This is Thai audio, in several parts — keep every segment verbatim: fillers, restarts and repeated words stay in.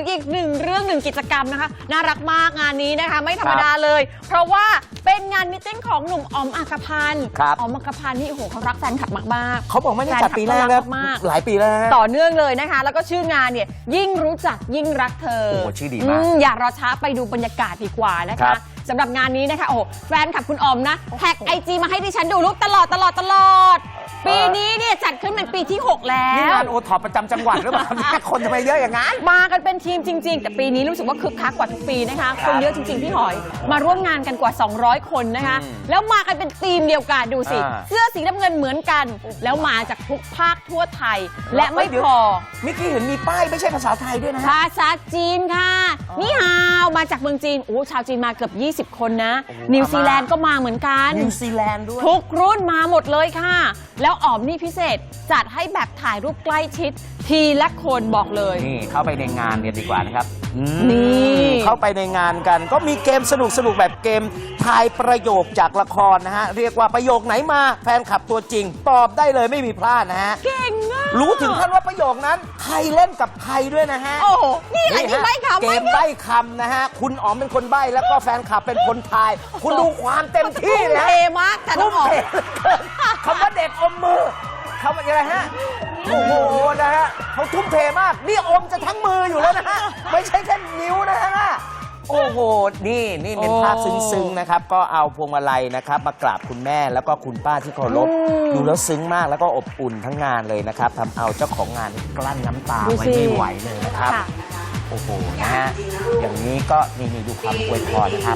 กันอีกหนึ่งเรื่องหนึ่งกิจกรรมนะคะน่ารักมากงานนี้นะคะไม่ธรรมดาเลยเพราะว่าเป็นงานมิทติ้งของหนุ่มอ๋อมอัครพันธ์อ๋อมอัครพันธ์นี่โอ้โหเขารักแฟนคลับมากๆเขาบอกไม่ได้จัดปีแรกแล้วหลายปีแล้วต่อเนื่องเลยนะคะแล้วก็ชื่องานเนี่ยยิ่งรู้จักยิ่งรักเธอโอ้ชื่อดีมากอย่ารอช้าไปดูบรรยากาศดีกว่านะคะสำหรับงานนี้นะคะโอ้แฟนคลับคุณอ๋อมนะแท็กไอจีมาให้ดิฉันดูรูปตลอดตลอดตลอดปีนี้เนี่ยจัดขึ้นเป็นปีที่หกแล้วนี่งานโอท็อปประจำจังหวัดหรือเปล่าคนทำไมเยอะอย่างนั้นมากันเป็นทีมจริงๆแต่ปีนี้รู้สึกว่าคึกคักกว่าทุกปีนะคะคนเยอะจริงๆพี่หอยมาร่วมงานกันกว่าสองร้อยคนนะคะแล้วมากันเป็นทีมเดียวกันดูสิเสื้อสีน้ำเงินเหมือนกันแล้วมาจากทุกภาคทั่วไทยและไม่พอเมื่อกี้เห็นมีป้ายไม่ใช่ภาษาไทยด้วยนะภาษาจีนค่ะนี่ฮาวมาจากเมืองจีนโอ้ชาวจีนมาเกือบยี่สิบคนนะนิวซีแลนด์ก็มาเหมือนกันนิวซีแลนด์ด้วยทุกรุ่นมาหมดเลยค่ะแล้วอ๋อมนี่พิเศษจัดให้แบบถ่ายรูปใกล้ชิดทีละคนบอกเลยนี่เข้าไปในงานกันดีกว่านะครับนี่เข้าไปในงานกันก็มีเกมสนุกสนุกแบบเกมทายประโยคจากละครนะฮะเรียกว่าประโยคไหนมาแฟนคลับตัวจริงตอบได้เลยไม่มีพลาดนะฮะเก่งมากรู้ถึงขั้นว่าประโยคนั้นใครเล่นกับใครด้วยนะฮะโอ้นี่อะไรนี่ใบ้คำเกมใบ้คำนะฮะคุณอ๋อมเป็นคนใบ้แล้วก็แฟนคลับเป็นคนทายคุณดูความเต็มที่เลยเทมากแต่ต้องออกคำว่าเด็กอมมือเขาเป็นอะไรฮะโอ้โหนะฮะเขาทุ่มเทมากนี่อมจะทั้งมืออยู่แล้วนะฮะไม่ใช่แค่นิ้วนะฮะโอ้โหนี่นี่เป็นภาพซึ้งๆนะครับก็เอาพวงมาลัยนะครับมากราบคุณแม่แล้วก็คุณป้าที่เคารพดูแล้วซึ้งมากแล้วก็อบอุ่นทั้งงานเลยนะครับทำเอาเจ้าของงานกลั้นน้ำตาไว้ไม่ไหวเลยนะครับโอ้โหนะฮะอย่างนี้ก็นี่นี่ดูความอวยพรนะครับ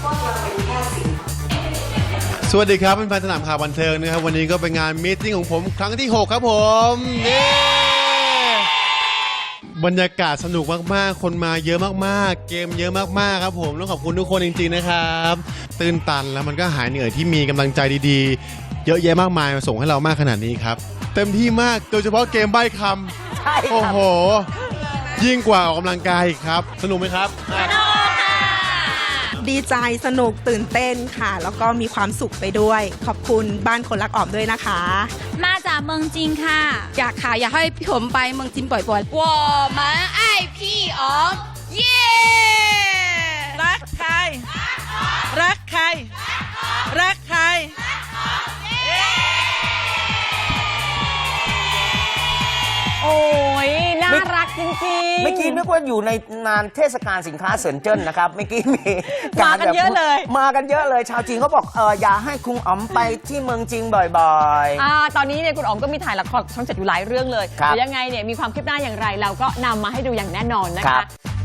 สวัสดีครับเป็นแฟนสนามข่าวบันเทิงนะครับวันนี้ก็เป็นงานมีตติ้งของผมครั้งที่หกครับผมนี่บรรยากาศสนุกมากๆคนมาเยอะมากๆเกมเยอะมากๆครับผมต้องขอบคุณทุกคนจริงๆนะครับตื่นตันแล้วมันก็หายเหนื่อยที่มีกำลังใจดีๆเยอะแยะมากมายมาส่งให้เรามากขนาดนี้ครับเต็มที่มากโดยเฉพาะเกมใบ้คำใช่โอ้โหยิ่งกว่าออกกำลังกายครับสนุกไหมครับดีใจสนุกตื่นเต้นค่ะแล้วก็มีความสุขไปด้วยขอบคุณบ้านคนรักอ๋อมด้วยนะคะมาจากเมืองจีนค่ะอยากค่ะอยากให้พี่ผมไปเมืองจีนบ่อยๆ我们爱พี่อ๋อมเย้รักใครรักใครรักใครโอ้ยน่ารักจริงๆเมื่อกี้นึกว่าอยู่ในงานเทศกาลสินค้าเซินเจิ้นนะครับเมื่อกี้มีมากันเยอะเลยมากันเยอะเลยชาวจีนเขาบอกเอออย่าให้คุณอ๋อมไปที่เมืองจีนบ่อยๆอ่าตอนนี้เนี่ยคุณอ๋อมก็มีถ่ายละครช่องเจ็ดอยู่หลายเรื่องเลยเดี๋ยวยังไงเนี่ยมีความคืบหน้าอย่างไรเราก็นำมาให้ดูอย่างแน่นอนนะคะ